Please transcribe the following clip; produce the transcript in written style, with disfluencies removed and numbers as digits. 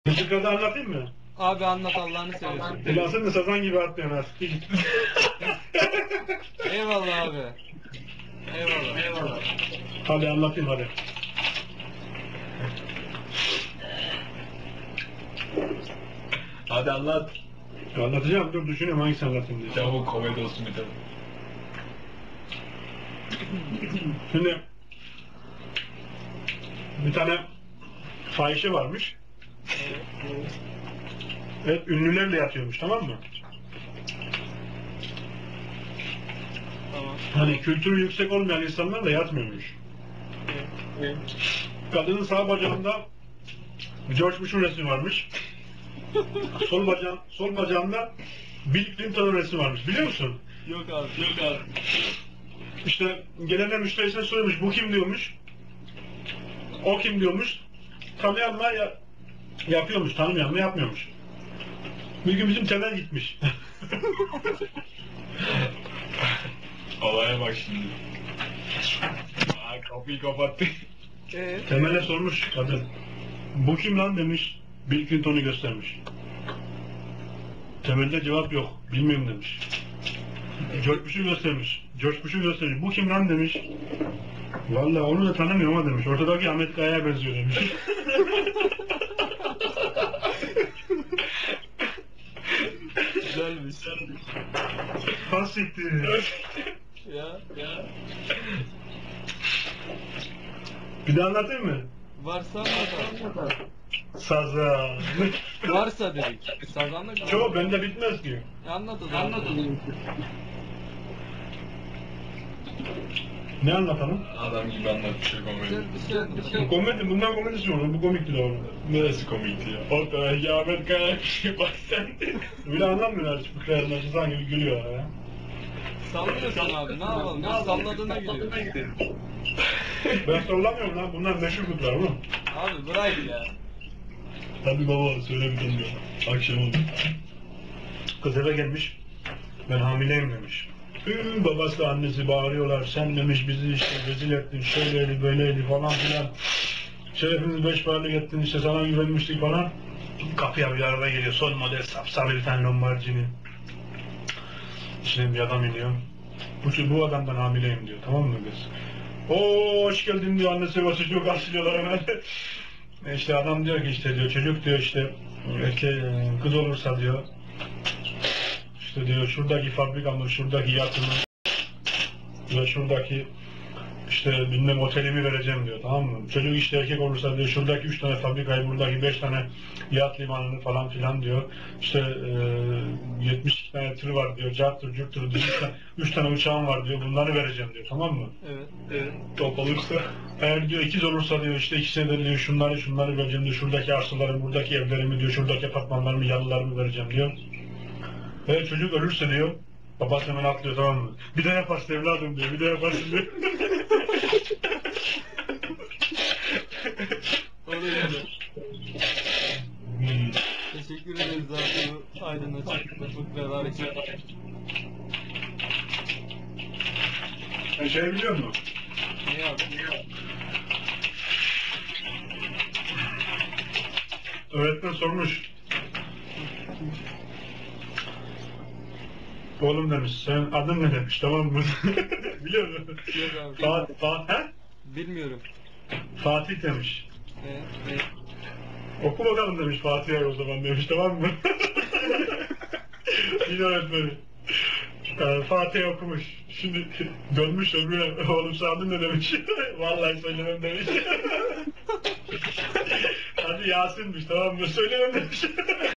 Mızıkada anlatayım mı? Abi anlat Allah'ını seversen. Ulan sen de sazan gibi atlıyorsun artık. Eyvallah abi. Eyvallah. Hadi anlatayım hadi. Hadi anlat. Anlatacağım, dur düşünüyorum hangisini anlatayım diye. Çabuk komedi olsun bir tane. Şimdi bir tane fahişe varmış. Evet, ünlülerle yatıyormuş, tamam mı? Tamam. Hani kültürü yüksek olmayan insanlarla yatmıyormuş. Kadının sağ bacağında George Bush'un resmi varmış. Sol bacağında Bill Clinton'un resmi varmış. Biliyor musun? Yok abi. İşte gelenler müşterisine soruyormuş, bu kim diyormuş. O kim diyormuş. Tanıyan mı yapıyormuş, tanımayan mı yapmıyormuş. Bir gün bizim Temel gitmiş. Olaya bak şimdi. Aa, kapıyı kapattı. Temel'e sormuş kadın. Bu kim lan demiş. Bill Clinton'u göstermiş. Temel'de cevap yok. Bilmiyorum demiş. George Bush'u göstermiş. George Bush'u göstermiş. Bu kim lan demiş. Vallahi onu da tanımıyorum ama demiş. Ortadaki Ahmet Kaya'ya benziyor demiş. Güzelmiş. Hassiktir. Ya. Bir de anlatayım mı? Varsa anlat. Saza. Varsa dedik. Sazanlık mı? Çoğu bende bitmez ki. Anlat o zaman. Ne anlatalım? Adam gibi anlatıyor komedi. Bir şey Komedi, bundan komedisi olur. Bu komikti de olur. Neresi komikti ya? Ortada Ahmet Kaya bir şey bak sen. Bile anlamıyorlar hiç fıkraya sanki gülüyor ya. Sallıyorsun abi ne yapalım? Biz salladığına gidiyoruz. Ben sallamıyorum lan. Bunlar meşhur fıkra oğlum. Abi bırak ya. Tabii baba söyle bir tane diyor. Akşam oldu. Kız eve gelmiş. Ben hamileyim demiş. Babası annesi bağırıyorlar. Sen demiş bizi işte rezil ettin. Şöyleydi böyleydi falan filan. Şerefimizi beş paralık ettin işte sana güvenmiştik falan. Kapıya bir araba geliyor. Son model sapsarı bir tane Lamborghini. İçine bir adam iniyor. Bu adamdan hamileyim diyor. Tamam mı kız? Oo hoş geldin diyor. Annesi babası çok karşılıyorlar hemen. İşte adam diyor ki işte diyor çocuk diyor işte kız olursa diyor işte diyor şuradaki fabrikamı, şuradaki yatımı ve şuradaki işte bilmem otelimi vereceğim diyor, tamam mı? Çocuk işte erkek olursa diyor şuradaki 3 tane fabrikayı, buradaki 5 tane yat limanını falan filan diyor. İşte 72 tane tır var diyor, carttır, curttur diyor. 3 tane uçağım var diyor, bunları vereceğim diyor, tamam mı? Evet. Top olursa. Eğer diyor ikiz olursa diyor işte ikisine de diyor şunları vereceğim diyor. Şuradaki arsaları, buradaki evlerimi diyor, şuradaki apartmanlarımı, yalılarımı vereceğim diyor. Ve çocuk ölürse diyor, babası hemen atlıyor, tamam mı? Bir de yaparsın evladım diyor, bir de yaparsın diyor. Oraya da. Teşekkür ederiz abi bu aydınlatıcı fıkralar için. Sen şey biliyor musun? Ne yaptın? Öğretmen sormuş. Oğlum demiş, senin adın ne demiş, tamam mı? Biliyor musun? Yok abi. Bilmiyorum. Fatih demiş. Ne? Oku bakalım demiş Fatih'e o zaman demiş, tamam mı? Yine öğretmeni. Fatih okumuş. Şimdi dönmüş öbürüne, oğlum sen adın ne demiş? Vallahi söylemem demiş. Hadi Yasin'miş, tamam mı? Söylemem demiş.